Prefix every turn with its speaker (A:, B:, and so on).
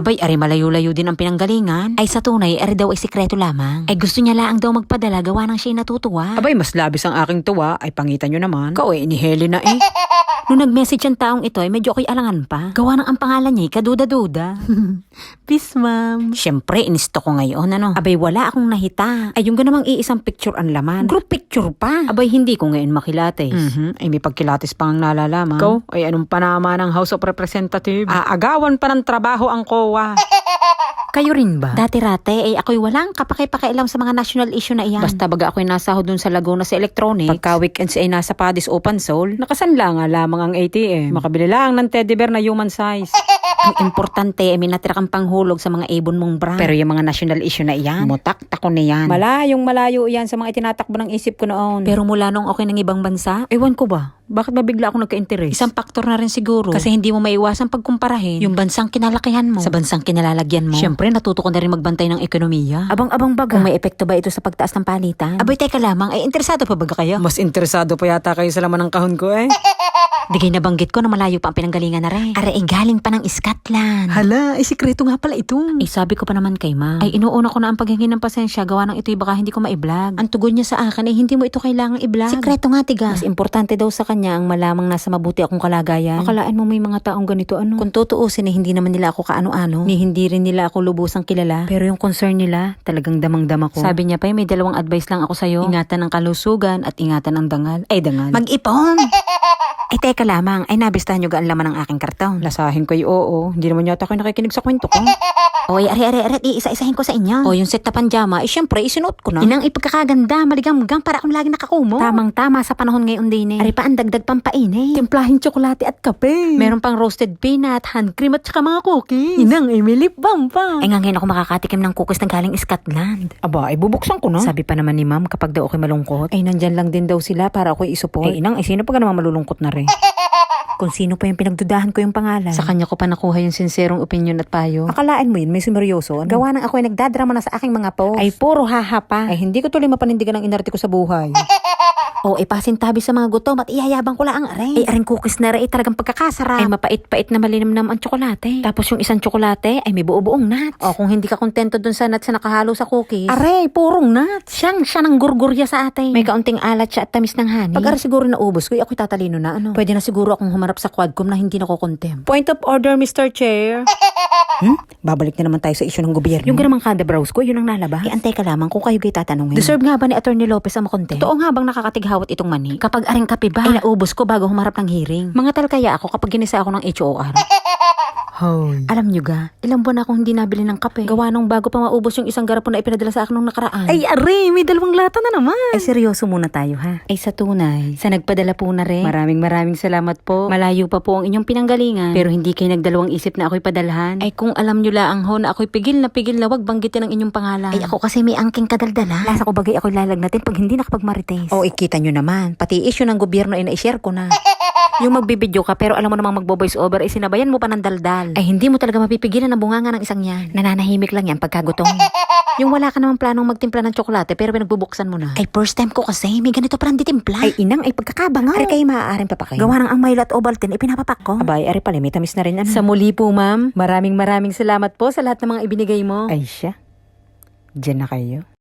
A: Abay, ari malayo-layo din ang pinanggalingan. Ay sa tunay, ari daw ay sikreto lamang. Ay gusto niya laang daw magpadala, gawa ng siya'y natutuwa.
B: Abay, mas labis ang aking tuwa. Ay pangitan nyo naman. Ikaw ni Helena eh.
A: Nung nag-message ang taong ito ay medyo ako'y alangan pa. Gawa ng ang pangalan niya, kaduda-duda. Peace, ma'am. Siyempre, inisto ko ngayon, ano? Abay, wala akong nahita. Ay, yung ganamang iisang picture ang laman. Group picture pa. Abay, hindi ko ngayon makilates.
B: Ay may pagkilatis pang nalalaman. Ikaw, ay anong panama ng House of Representatives? Aagawan pa ng trabaho ang COA.
A: Kayo rin ba? Dati-rate, ay ako'y walang kapaki-pakialam sa mga national issue na iyan.
B: Basta baga ako'y nasahod dun sa Laguna sa electronics. Pagka weekends ay nasa Padis Open Soul, nakasanla nga lamang ang ATM. Makabili lang ng teddy bear na human size.
A: Ang importante ay may natira kang panghulog sa mga ibon mong bra.
B: Pero yung mga national issue na iyan, mutak-tako na yan. Malayong malayo yan sa mga itinatakbo ng isip ko noon.
A: Pero mula nung okay ng ibang bansa,
B: Ewan ko ba? Bakit ba bigla ako nagka-interest?
A: isang faktor na rin siguro. Kasi hindi mo maiwasang pagkumparahin yung bansang kinalakihan mo sa bansang kinalalagyan mo.
B: Siyempre, natuto ko na rin magbantay ng ekonomiya.
A: Abang-abang baga. Kung may epekto ba ito sa pagtaas ng palitan? Abay, teka lamang, ay interesado pa baga kayo?
B: Mas interesado pa yata kayo sa laman ng kahon ko eh.
A: Di kayo nabanggit ko na malayo pa ang pinanggalingan na rin. Are, galing pa ng Scotland.
B: Hala, ay sikreto nga pala ito.
A: Ay, sabi ko pa naman kay ma. Ay, inuuna ko na ang paghingi ng pasensya, gawa ng ito'y baka hindi ko ma-i-vlog. Ang tugon niya sa akin ay hindi mo ito kailangang i-vlog. Sikreto nga, tiga. Mas importante daw sa kanya ang malamang nasa mabuti akong kalagayan. Akalaan mo may mga taong ganito, ano? Kung tutuusin ay hindi naman nila ako kaano-ano, ni hindi rin nila ako lubusang kilala. Pero yung concern nila, talagang damang-dama ko. Sabi niya pa, may dalawang advice lang ako sa'yo. Ingatan ang kalusugan at ingatan ang dangal. Ay, dangal. Mag-ipon! Ay, teka lamang. Ay, nabistahan nyo gaan laman ng aking karton.
B: Lasahin ko oo. Hindi naman yata kayo nakikinig sa kwento ko.
A: Oy, are, iisa-isahin ko sa inyo. O, yung set na panjama, ay syempre, isinuot ko na. Inang ipagkakaganda, maligang-magang para akong lagi nakakumo. Tamang-tama sa panahon ngayon din eh. Ari pa ang dagdag pampainit.
B: Timplahin tsokolate at kape.
A: Meron pang roasted peanut, hand cream at saka mga cookies.
B: Inang ay may lip balm pa.
A: Ay nga ngayon ako makakatikim ng cookies na galing Scotland.
B: Aba, ay bubuksan ko na.
A: Sabi pa naman ni ma'am kapag daw ako'y malungkot.
B: Ay nandyan lang din daw sila para ako'y isupport. Ay inang, ay sino pa ka naman malulungkot na rin?
A: Kung sino pa yung pinagdudahan ko yung pangalan.
B: Sa kanya ko pa nakuha yung sincerong opinion at payo.
A: Akalaan mo yun, may sumeryoso. Gawa ng ako ay nagdadrama na sa aking mga post.
B: Ay puro haha pa. Ay hindi ko tuloy mapanindigan ang inarte ko sa buhay.
A: O, ipasintabi sa mga gutom at iyayabang ko lang ang aray. Ay, aring cookies na rin, talagang pagkakasarap. Ay, mapait-pait na malinamnam ang tsokolate. Tapos yung isang tsokolate, ay may buo-buong nuts. O, kung hindi ka kontento dun sa nuts na nakahalo sa cookies. Aray, purong nuts. Siya ng gurgurya sa ate. May kaunting alat siya at tamis ng honey. Pag siguro naubos ko, ako'y tatalino na ano. Pwede na siguro akong humarap sa Quadcom na hindi nakukontem.
B: Point of order, Mr. Chair. Babalik na naman tayo sa issue ng gobyerno.
A: Yung ganamang kada browse ko, yun ang nalabas. Antay ka lamang kung kayo kayo tatanungin. Deserve nga ba ni Attorney Lopez ang makontem? Totoo nga bang nakakatighawat itong mani? Kapag aring kape ba? Ay naubos ko bago humarap ng hearing. Mga tal kaya ako kapag ginisa ako ng HOR.
B: Hoy.
A: Alam nyo ga, ilang buwan akong hindi nabili ng kape. Gawa nung bago pa maubos yung isang garapon na ipinadala sa akin nung nakaraan.
B: Ay are, may dalawang lata na naman.
A: Ay seryoso muna tayo ha. Ay sa tunay, sa nagpadala po na rin.
B: Maraming salamat po.
A: Malayo pa po ang inyong pinanggalingan. Pero hindi kayo nagdalawang isip na ako'y padalhan. Ay kung alam nyo laang ho na ako'y pigil na wag banggitin ang inyong pangalan. Ay ako kasi may angking kadaldala. Lasa ko bagay ako'y lalagnatin pag hindi nakapagmarites.
B: O ikita nyo naman, pati issue ng gobyerno ay na-share ko na.
A: Yung magbibideo ka pero alam mo namang magbo-voice over ay sinabayan mo pa ng daldal. Ay hindi mo talaga mapipigilan ang bunganga ng isang yan. Nananahimik lang yan pagkagutom. Yung wala ka namang planong magtimpla ng tsokolate pero pinagbubuksan mo na. Ay first time ko kasi may ganito parang ditimpla. Ay inang ay pagkakabangaw. Ay kayo maaaring papakain. Gawa ng ang Milo at Ovaltine ay pinapapak ko.
B: Abay, ari pala, may tamis na rin ano.
A: Sa muli po ma'am, maraming salamat po sa lahat ng mga ibinigay mo.
B: Ay siya. Diyan na kayo.